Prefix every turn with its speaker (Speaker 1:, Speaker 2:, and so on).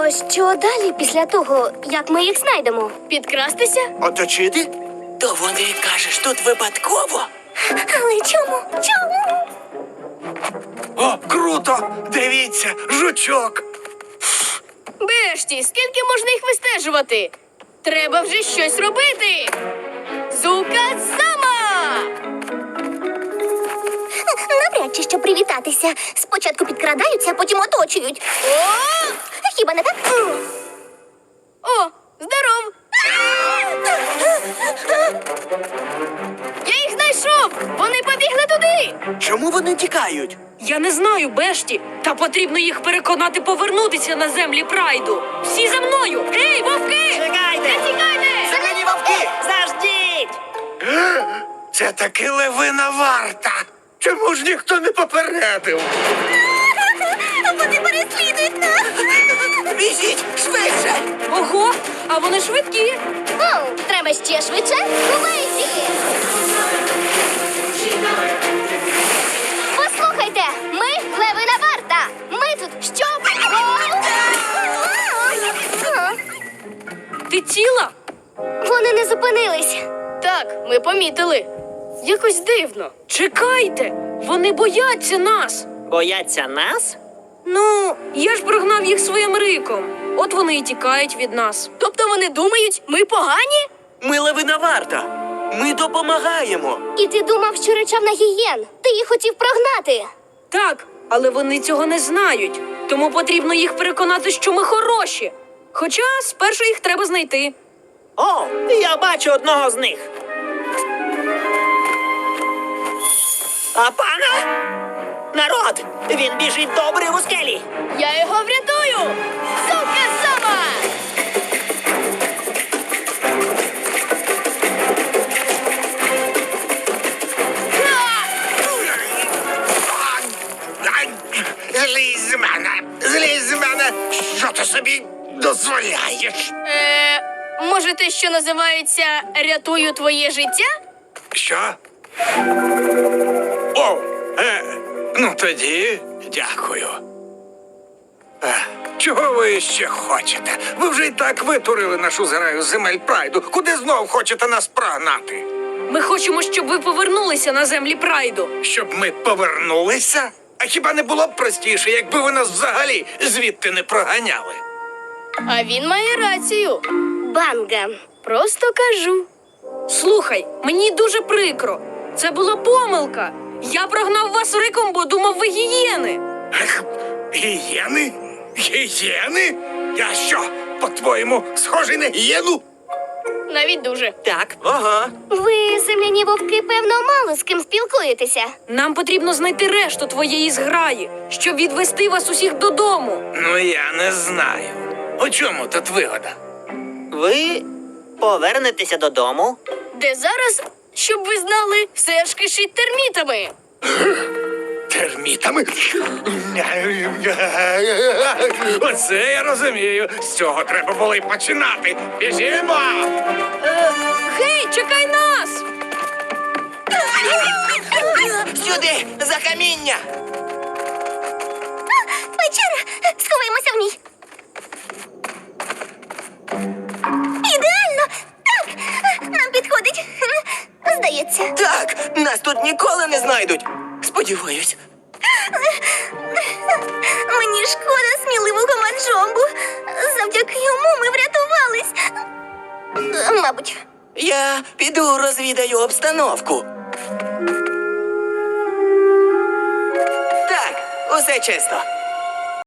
Speaker 1: То що далі після того, як ми їх знайдемо? Підкрастися?
Speaker 2: Оточити?
Speaker 3: То вони, кажеш, тут випадково?
Speaker 1: Але чому? Чому?
Speaker 2: О, круто! Дивіться, жучок!
Speaker 4: Бешті, скільки можна їх вистежувати? Треба вже щось робити! Зука-сама!
Speaker 1: Навряд чи що привітатися. Спочатку підкрадаються, а потім оточують.
Speaker 4: О!
Speaker 1: Хіба не так?
Speaker 4: О, здоров! Я їх знайшов! Вони побігли туди!
Speaker 3: Чому вони тікають?
Speaker 5: Я не знаю, Бешті, та потрібно їх переконати повернутися на землі Прайду. Всі за мною! Ей, вовки!
Speaker 3: Чекайте!
Speaker 4: Тікайте!
Speaker 3: Зелені вовки! Заждіть!
Speaker 2: Це таки левина варта! Чому ж ніхто не попередив?
Speaker 1: Вони переслідують нас!
Speaker 3: Біжіть! Швидше!
Speaker 5: Ого, а вони швидкі.
Speaker 1: Оу, треба ще швидше? Лейзі! Послухайте, ми левина варта! Ми тут щоб...
Speaker 5: Ти ціла?
Speaker 1: Вони не зупинились.
Speaker 4: Так, ми помітили. Якось дивно.
Speaker 5: Чекайте, вони бояться нас.
Speaker 3: Бояться нас?
Speaker 5: Ну, я ж прогнав їх своїм риком. От вони і тікають від нас.
Speaker 4: Тобто вони думають, ми погані?
Speaker 3: Ми левина варта. Ми допомагаємо.
Speaker 1: І ти думав, що речав на гієн. Ти їх хотів прогнати.
Speaker 5: Так, але вони цього не знають. Тому потрібно їх переконати, що ми хороші. Хоча спершу їх треба знайти.
Speaker 3: О, я бачу одного з них. А пана? Народ! Він біжить до обриву скелі.
Speaker 4: Я його врятую! Зука-сама!
Speaker 2: Злізь з мене! Злізь з мене! Що ти собі дозволяєш?
Speaker 4: Може, те, що називається «рятую твоє життя»?
Speaker 2: Що? О, ну тоді дякую. Чого ви ще хочете? Ви вже й так витурили нашу зграю з земель Прайду. Куди знов хочете нас прогнати?
Speaker 5: Ми хочемо, щоб ви повернулися на землі Прайду.
Speaker 2: Щоб ми повернулися? А хіба не було б простіше, якби ви нас взагалі звідти не проганяли?
Speaker 4: А він має рацію.
Speaker 1: Банга.
Speaker 4: Просто кажу.
Speaker 5: Слухай, мені дуже прикро. Це була помилка. Я прогнав вас риком, бо думав, ви гієни.
Speaker 2: Ех, гієни? Гієни? Я що, по-твоєму, схожий на гієну?
Speaker 4: Навіть дуже.
Speaker 3: Так, ага.
Speaker 1: Ви, земляні вовки, певно, мало з ким спілкуєтеся.
Speaker 5: Нам потрібно знайти решту твоєї зграї, щоб відвести вас усіх додому.
Speaker 2: Ну, я не знаю. У чому тут вигода?
Speaker 3: Ви повернетеся додому?
Speaker 4: Де зараз, щоб ви знали, все ж кишить термітами.
Speaker 2: Термітами? Оце я розумію. З цього треба було й починати. Біжімо!
Speaker 5: Гей, чекай нас!
Speaker 3: Сюди, за каміння!
Speaker 1: Печера! Сховаємося в ній. Ідеально! Так! Нам підходить. Здається.
Speaker 3: Так, нас тут ніколи не знайдуть. Сподіваюсь.
Speaker 1: Мені шкода сміливого Манджомбу. Завдяки йому ми врятувались. Мабуть.
Speaker 3: Я піду розвідаю обстановку. Так, усе чисто.